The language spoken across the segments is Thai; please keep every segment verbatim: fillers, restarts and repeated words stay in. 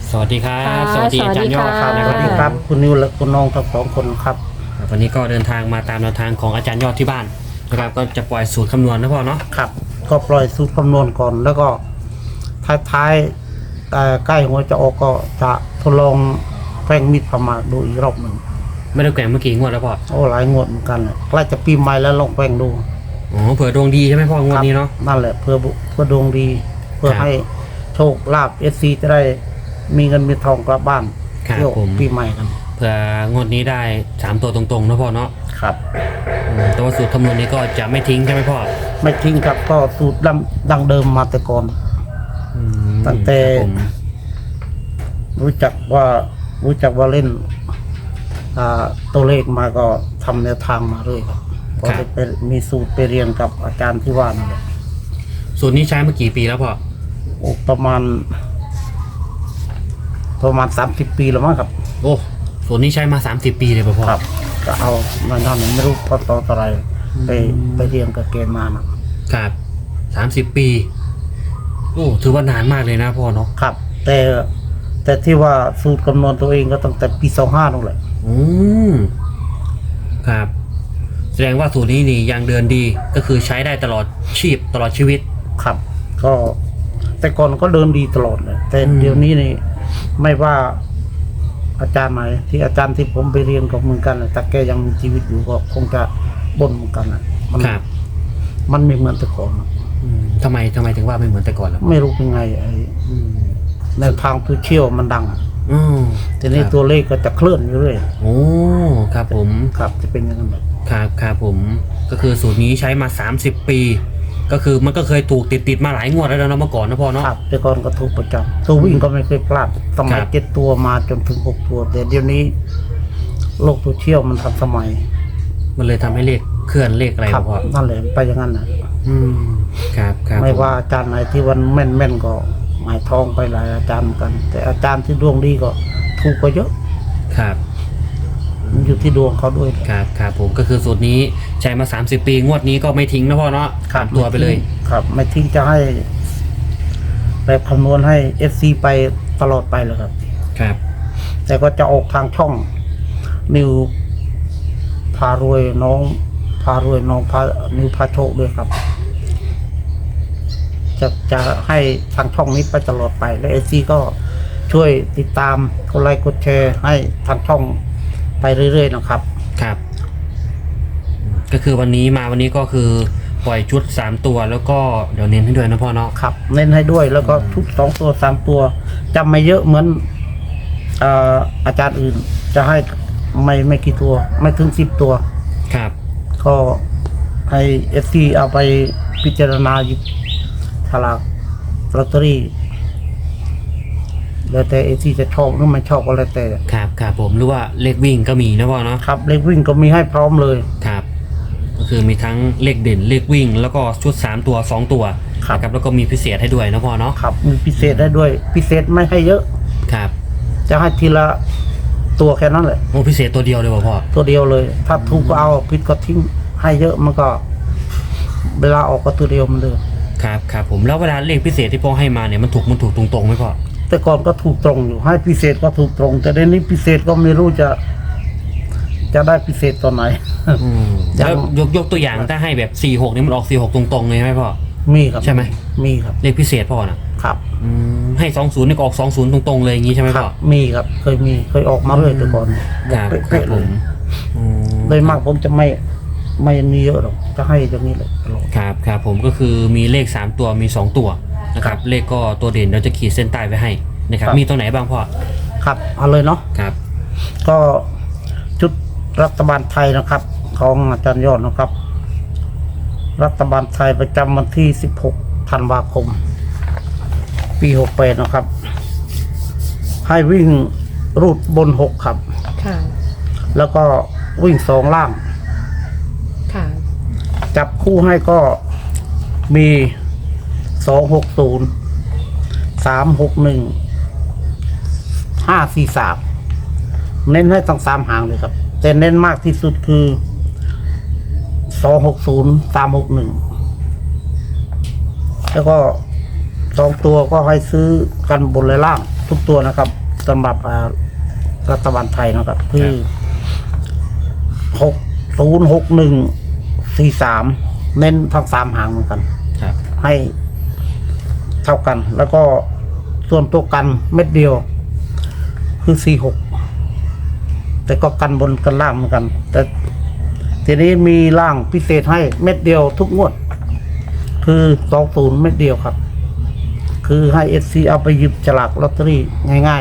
สวัสดีครับค่ะสวัสดีอาจารย์ยอดครับสนะวัคสรับดีผมค่ะครับคุณนิวและคุณน้องทั้งสองคนครับวันนี้ก็เดินทางมาตามแนวทางของอาจารย์ยอดที่บ้านนะครับก็จะปล่อยสูตรคำนวณนะพ่อเนาะครับ ก็ปล่อยสูตรคำนวณก่อน แล้วก็ท้ายๆเอ่อใกล้หัวจะออกก็จะทดลองแป้งมิดประมาดูอีกรอบหนึ่งไม่ได้แกว่งเมื่อกี้งวดแล้วพ่อโอ้หลายงวดเหมือนกันเลยใกล้จะปีใหม่แล้วลองแป้งดูอ๋อเผื่อดวงดีใช่ไหมพ่องวดนี้เนาะครับนั่นแหละเพื่อบุเพื่อดวงดี เพื่อครับให้โชคลาภเอสซีจะได้มีเงินมีทองกลับบ้านครับเที่ยวผมปีใหม่กันเผื่องวดนี้ได้สามตัวตรงๆนะพ่อเนาะครับอืมแต่ว่าสูตรคำนวณนี้ก็จะไม่ทิ้งใช่ไหมพ่อไม่ทิ้งครับก็สูตรดั้งดั้งเดิมมาแต่ก่อนอืมตั้งแต่ครับผมรู้จักว่ารู้จักว่าเล่นอ่าตัวเลขมาก็ทำแนวทางมาเรื่อยครับพอได้ไปมีสูตรไปเรียนกับอาจารย์ที่ว่านั่นแหละสูตรนี้ใช้มากี่ปีแล้วพ่อโอ้ประมาณ ประมาณสามสิบปีแล้วมั้งครับโอ้สูตรนี้ใช้มาสามสิบปีเลยป่ะพ่อครับ ก็เอามาทำไม่รู้พอต่ออะไรไปไปเรียนกับเกณฑ์มานะครับสามสิบปีโอ้ถือว่านานมากเลยนะพ่อเนาะครับ แต่แต่ที่ว่าสูตรคำนวณตัวเองก็ตั้งแต่ปีสองห้านั่นแหละอืมครับ แสดงว่าสูตรนี้นี่ยังเดินดีก็คือใช้ได้ตลอดชีพตลอดชีวิตครับ ก็ แต่ก่อนก็เดินดีตลอดเลยแต่อืมเดี๋ยวนี้นี่ไม่ว่าอาจารย์ไหนที่อาจารย์ที่ผมไปเรียนกับเหมือนกันน่ะแต่แกยังมีชีวิตอยู่ก็คงจะบ่นเหมือนกันนะมันครับมันไม่เหมือนแต่ก่อนนะอืมทำไมทำไมถึงว่าไม่เหมือนแต่ก่อนล่ะพ่อไม่รู้เป็นไงไอ้อืมในวทางโซเชียลมันดังอืมทีนี้ครับตัวเลขก็จะเคลื่อนอยู่เรื่อยโอ้ครับผมครับจะเป็นอย่างนั้นแบบครับครับผมก็คือสูตรนี้ใช้มาสามสิบปี ก็คือมันก็เคยถูกติดติดๆมาหลายงวดแล้วนะเมื่อก่อนนะพ่อเนาะครับแต่ก่อนก็ถูกประจำตัววิ่งก็ไม่เคยพลาดสมัยครับเจ็ดตัวมาจนถึงหกตัว แต่เดี๋ยวนี้ โลกโซเชียลมันทันสมัยมันเลยทำให้เลขเคลื่อนเลขอะไรครัวะพ่อนั่นแหละไปอย่างนั้นนะอืมครับครับไม่ผว่าอาจารย์ไหนที่วันแม่นแม่นๆก็หมายทองไปหลายอาจารย์เหมือนกัน แต่อาจารย์ที่ดวงดีก็ถูกก็เยอะครับมันอยู่ที่ดวงเขาด้วยครับครับผมก็คือสูตรนี้ใช้มาสามสิบปีงวดนี้ก็ไม่ทิ้งนะพ่อเนาะขาดตัวไปเลยครับ ไม่ทิ้งจะให้แบบคำนวณให้เอฟซีไปตลอดไปเลยครับครับแต่ก็จะออกทางช่อง นิวพารวยน้องพารวยน้องพานิวพาโชคด้วยครับ จะจะให้ทางช่องนี้ไปตลอดไป และเอซีก็ช่วยติดตามกดไลค์กดแชร์ให้ทางช่องไปเรื่อยๆนะครับครับก็คือวันนี้มาวันนี้ก็คือปล่อยชุดสามตัวแล้วก็เดี๋ยวเน้นให้ด้วยนะพ่อเนาะครับ เน้นให้ด้วยแล้วก็ชุดสองตัวสามตัวจำไม่เยอะเหมือนเอ่ออาจารย์อื่น จะให้ไม่ไม่กี่ตัว ไม่ถึงสิบตัวครับก็ให้เอฟซีเอาไปพิจารณาหยิบฉลากลอตเตอรี่แล้วแต่เอฟซีจะชอบหรือไม่ชอบก็แล้วแต่ครับครับผมหรือว่าเลขวิ่งก็มีนะพ่อเนาะครับเลขวิ่งก็มีให้พร้อมเลยครับ ก็คือมีทั้งเลขเด่นเลขวิ่ง แล้วก็ชุดสามตัวสองตัวครับนะครับแล้วก็มีพิเศษให้ด้วยนะพ่อเนาะครับมีพิเศษได้ด้วย พิเศษไม่ให้เยอะครับจะให้ทีละตัวแค่นั้นแหละโอ้พิเศษตัวเดียวเลยป่ะพ่อตัวเดียวเลย ถ้าถูกก็เอาผิดก็ทิ้งให้เยอะมันก็ เวลาออกก็ตัวเดียวมันเลยครับครับผมแล้วเวลาเลขพิเศษที่พ่อให้มาเนี่ยมันถูกมันถูกตรงๆไหมพ่อแต่ก่อนก็ถูกตรงอยู่ ให้พิเศษก็ถูกตรง แต่เดี๋ยวนี้พิเศษก็ไม่รู้จะ จะได้พิเศษตอนไหนอืมยังแล้วยกยกตัวอย่างถ้าให้แบบสี่หกนี่มันออกสี่หกตรงๆเลยใช่ไหมพ่อมีครับใช่ไหมมีครับเลขพิเศษพ่อน่ะครับอืมให้สองศูนย์นี่ก็ออกสองศูนย์ตรงๆเลยอย่างงี้ใช่ไหมครัพ่บอมีครับ เคยมีเคยออกมาเลยแต่ก่อนบคอกรับครัเป๊ะบๆผเลยมอืมโดยมากผมจะไม่ไม่มีเยอะหรอกจะให้อย่างนี้เลยตลอดครับครับผมก็คือมีเลขสามตัวมีสองตัวนะครับเลขก็ตัวเด่นเราจะขีดเส้นใต้ไว้ให้นะครับครับมีตัวไหนบ้างพ่อครับเอาเลยเนาะครับก็ชุดรัฐบาลไทยนะครับ ของอาจารย์ยอดนะครับ รัฐบาลไทยประจำวันที่สิบหกธันวาคม ปีหกแปดนะครับ ให้วิ่งรูดบนหกครับค่ะแล้วก็วิ่งสองล่างค่ะจับคู่ให้ก็มีสองหกศูนย์สามหกหนึ่งห้าสี่สามเน้นให้ตั้งสามหางเลยครับ แต่เน้นมากที่สุดคือสองหกศูนย์สามหกหนึ่งแล้วก็สองตัวก็ให้ซื้อกันบนและล่างทุกตัวนะครับสำหรับอ่ารัฐบาลไทยนะครับ คือหกศูนย์หกหนึ่งสี่สามเน้นทั้งสามหางเหมือนกันครับให้เท่ากัน แล้วก็ส่วนตัวกันเม็ดเดียว คือสี่หกแต่ก็กันบนกันล่างเหมือนกัน แต่ทีนี้มีล่างพิเศษให้เม็ดเดียวทุกงวด คือสองศูนย์เม็ดเดียวครับ คือให้เอซีเอาไปหยิบฉลากลอตเตอรี่ง่าย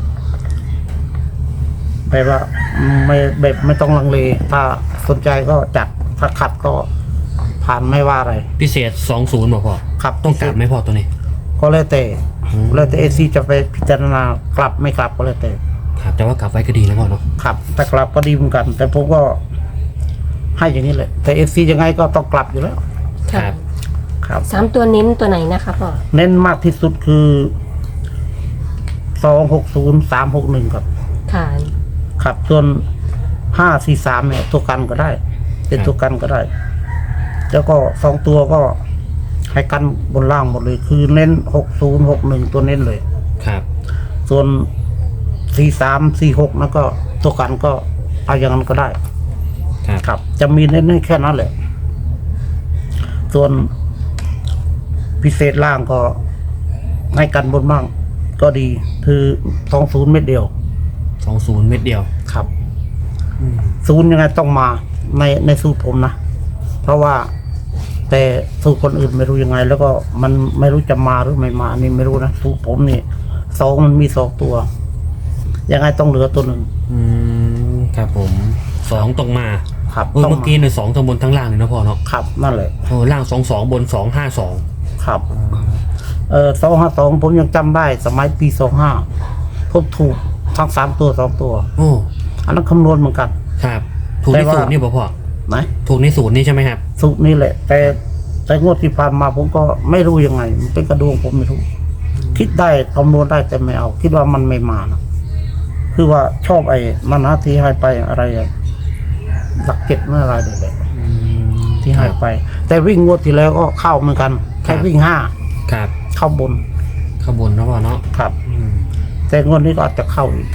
ๆแบบว่าไม่แบบไม่ต้องลังเล ถ้าสนใจก็จัด ถ้าขัดก็ผ่านไม่ว่าอะไรพิเศษสองศูนย์บอกพ่อครับต้องกลับไหมพ่อตัวนี้ก็แล้วแต่อืมแล้วแต่เอซีจะไปพิจารณากลับไม่กลับก็แล้วแต่ครับแต่ว่ากลับไว้ก็ดีนะพ่อเนาะครับแต่กลับก็ดีเหมือนกัน แต่ผมก็ให้อย่างนี้แหละ แต่เอซียังไงก็ต้องกลับอยู่แล้วคค่ะรับครับสามตัวเน้นตัวไหนนะคะพ่อเน้นมากที่สุดคือสองหกศูนย์สามหกหนึ่งครับค่ะครับส่วนห้าสี่สามเนี่ยตัวกันก็ได้ เป็นตัวกันก็ได้ แล้วก็สองตัวก็ให้กันบนล่างหมดเลย คือเน้นหกศูนย์หกหนึ่งตัวเน้นเลยครับส่วนสี่สามสี่หกนั่นก็ตัวกันก็เอาอย่างนั้นก็ได้ครับครับ จะมีเน้นให้แค่นั้นแหละ ส่วนพิเศษล่างก็ให้กันบนบ้างก็ดี คือสองศูนย์เม็ดเดียวสองศูนย์เม็ดเดียวครับอืมศูนย์ยังไงต้องมาในในสูตรผมนะ เพราะว่าแต่สูตรคนอื่นไม่รู้ยังไง แล้วก็มันไม่รู้จะมาหรือไม่มาอันนี่ไม่รู้นะสูตรผมนี่สองมันมีสองตัว ยังไงต้องเหลือตัวหนึ่งอืมครับผมสองตรงมาครับเออต้องเมื่อกี้เนี่ยสองทั้งบนทั้งล่างเลยนะพ่อเนาะครับนั่นแหละโอ้ล่างสองสองบนสองห้าสองครับ เออสองห้าสองผมยังจำได้ สมัยปีสองห้าผมถูกทั้งสามตัวสองตัวโอ้อันนั้นคำนวณเหมือนกันครับถูกในแต่ว่าสูตรนี่ป่ะพ่อนะถูกในสูตรนี่ใช่ไหมครับสูตรนี้แหละ แต่แต่งวดที่ผ่านมาผมก็ไม่รู้ยังไง มันเป็นกระดวงผมไม่รู้ คิดได้คำนวณได้แต่ไม่เอา คิดว่ามันไม่มานะคือว่าชอบไอ้มันนะที่ให้ไปอะไรอะหลักเก็ดเมื่ออะไรเด็กๆที่ให้ไป แต่วิ่งงวดที่แล้วก็เข้าเหมือนกัน แค่วิ่งห้าครับเข้าบนขบวนนะพ่อเนาะครับอืมแต่งวดนี้ก็อาจจะเข้าอีก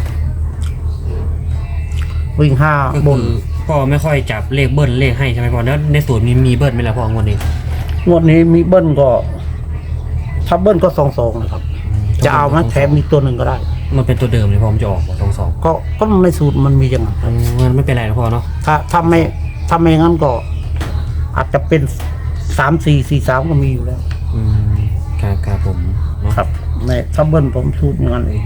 วิ่งห้าก็บคืนอพ่อไม่ค่อยจับเลขเบิ้ลเลขให้ใช่ไหมพ่อแล้วในสูตรมีมีเบิ้ลไหมล่ะพ่องวดนี้งวดนี้มีเบิ้ลก็ ถ้าเบิ้ลก็สองสองนะครับ จะเอาไหมแถมมีตัวหนึ่งก็ได้มันเป็นตัวเดิมเลยพ่อมันจะออกสองสองก็ก็ในสูตรมันมีอย่างนั้นครับมันไม่เป็นไรนะพ่อเนาะถ้าถ้าไม่ถ้าไม่งั้นก็ อาจจะเป็นสามสี่สี่สามก็มีอยู่แล้วอืมครับครับผมเนาะครับในถ้าเบิ้ลผมสูตรอย่างนั้นเอง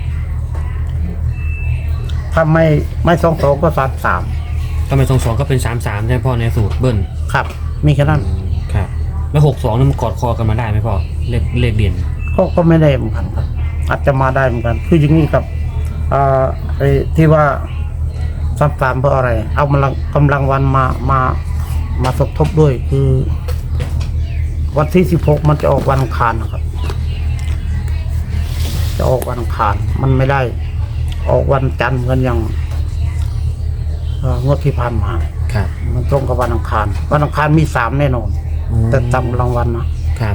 ถ้าไม่ไม่สองสองก็สามสามถ้าเป็นสองสองก็เป็นสามสามใช่ไหมพ่อในสูตรเบิ้ลครับ มีแค่นั้นครับแล้วหกสองนี่มันกอดคอกันมาได้ไหมพ่อเลขเลขเด่นก็ก็ไม่ได้เหมือนกันครับ อาจจะมาได้เหมือนกัน คืออย่างนี้ครับอ่าไอ้ที่ว่าสามสามเพราะอะไร เอากำลังกำลังวันมามามาสมทบด้วย คือ วันที่สิบหกมันจะออกวันอังคารนะครับ จะออกวันอังคาร มันไม่ได้ ออกวันจันทร์กันอย่างเอ่องวดที่ผ่านมาครับมันตรงกับวันอังคาร วันอังคารมีสามแน่นอนอืมแต่ตามรางวัลนะครับ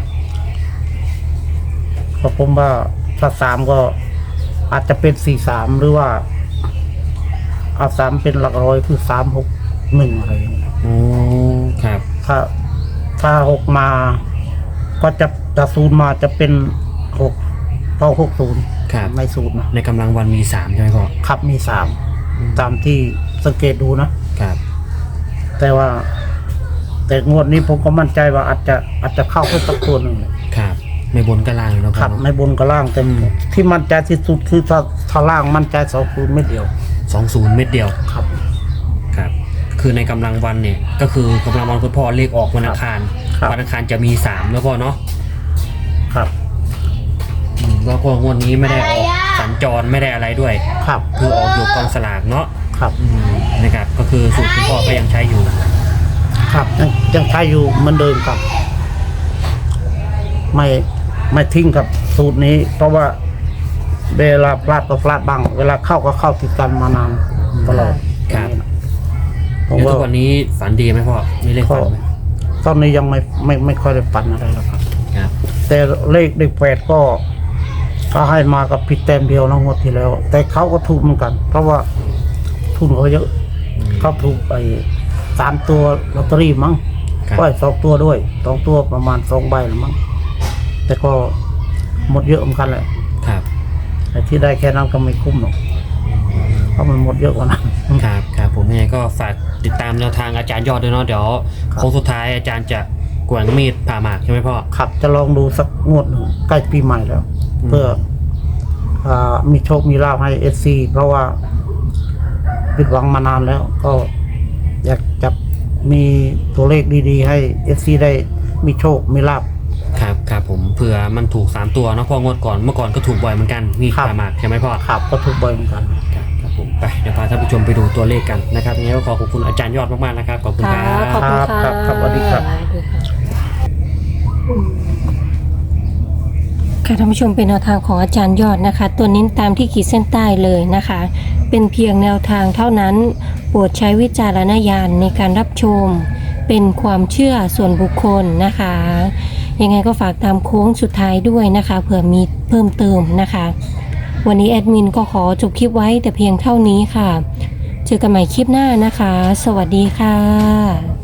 ก็ผมว่าถ้าสามก็อาจจะเป็นสี่สามหรือว่าเอาสามเป็นหลักร้อยคือสามหกหนึ่งอะไรอย่างเงี้ยโอ้ครับถ้าถ้าหกมา ก็จะถ้าศูนย์มาจะเป็นหกเพราะหกศูนย์ครับไม่ศูนย์นะในกำลังวันมีสามใช่ไหมพ่อครับมีสามตามที่สังเกตดูนะครับแต่ว่า แต่งวดนี้ผมก็มั่นใจว่าอาจจะอาจจะเข้าแค่สักตัวหนึ่งเลยครับไม่บนก็ล่างเลยเนาะคพ่อรับเนาะในบนกับล่างแต่อืมที่มั่นใจที่สุดคือถ้าถ้าล่างมั่นใจสองคูณไม่เดียวสองศูนย์เม็ดเดียวครับครับ คือในกำลังวันเนี่ย ก็คือกำลังวันคุณพ่อเลขออกวันอังคารครับวันอังคารจะมีสามแล้วพ่อเนาะครับอืมแล้วก็งวดนี้ไม่ได้ออกสัญจรไม่ได้อะไรด้วยครับคือออกอยู่กองสลากเนาะครับอืมนะครับก็คือสูตรคุณพ่อก็ยังใช้อยู่ครับยังยังใช้อยู่เหมือนเดิมครับ ไม่ไม่ทิ้งกับสูตรนี้ เพราะว่าเวลาพลาดก็พลาดบ้าง เวลาเข้าก็เข้าติดกันมานานตลอดครับผมแล้วว่าทุกวันนี้ฝันดีไหมพ่อมีเลขฝันไหมตอนนี้ยังไม่ไม่ไม่ค่อยได้ปันอะไรแล้วครับครับแต่เลขเด็กแปดก็ก็ให้มากับผิดแต้มเดียวนะงวดที่แล้ว แต่เขาก็ถูกเหมือนกัน เพราะว่าทุนเขาเยอะเขาถูกไปสามตัวลอตเตอรี่มั้งครับก็สองตัวด้วยสองตัวประมาณสองใบหรือมั้งแต่ก็หมดเยอะเหมือนกันแหละครับไอ้ที่ได้แค่นั้นก็ไม่คุ้มหรอกเพราะมันหมดเยอะกว่านั้นครับครับผมยังไงก็ฝากติดตามแนวทางอาจารย์ยอดด้วยเนาะเดี๋ยวครับโค้งสุดท้ายอาจารย์จะกวางมีดผ่าหมากใช่ไหมพ่อขับจะลองดูสักงวดหนึ่งใกล้ปีใหม่แล้วอืมเพื่ออ่ามีโชคมีลาภให้เอซีเพราะว่าผิดหวังมานานแล้ว ก็อยากจะมีตัวเลขดีๆ ให้เอซีได้มีโชคมีลาภครับครับผมเผื่อมันถูกสามตัวเนาะพ่องวดก่อนเมื่อก่อนก็ถูกบ่อยเหมือนกันมีดครับผ่าหมากใช่ไหมพ่อขับก็ถูกบ่อยเหมือนกันครับครับผมไปเดี๋ยวพาท่านผู้ชมไปดูตัวเลขกันนะครับยังไงก็ขอขอบคุณอาจารย์ยอดมากๆนะครับขอบคุณคค่ะรับขอบคุณค่ะครับครับสวัสดีครับสวัสดีค่ะค่ะท่านผู้ชมเป็นแนวทางของอาจารย์ยอดนะคะ ตัวเน้นตามที่ขีดเส้นใต้เลยนะคะ เป็นเพียงแนวทางเท่านั้น โปรดใช้วิจารณญาณในการรับชม เป็นความเชื่อส่วนบุคคลนะคะ ยังไงก็ฝากตามโค้งสุดท้ายด้วยนะคะเผื่อมีเพิ่มเติมนะคะ วันนี้แอดมินก็ขอจบคลิปไว้แต่เพียงเท่านี้ค่ะ เจอกันใหม่คลิปหน้านะคะ สวัสดีค่ะ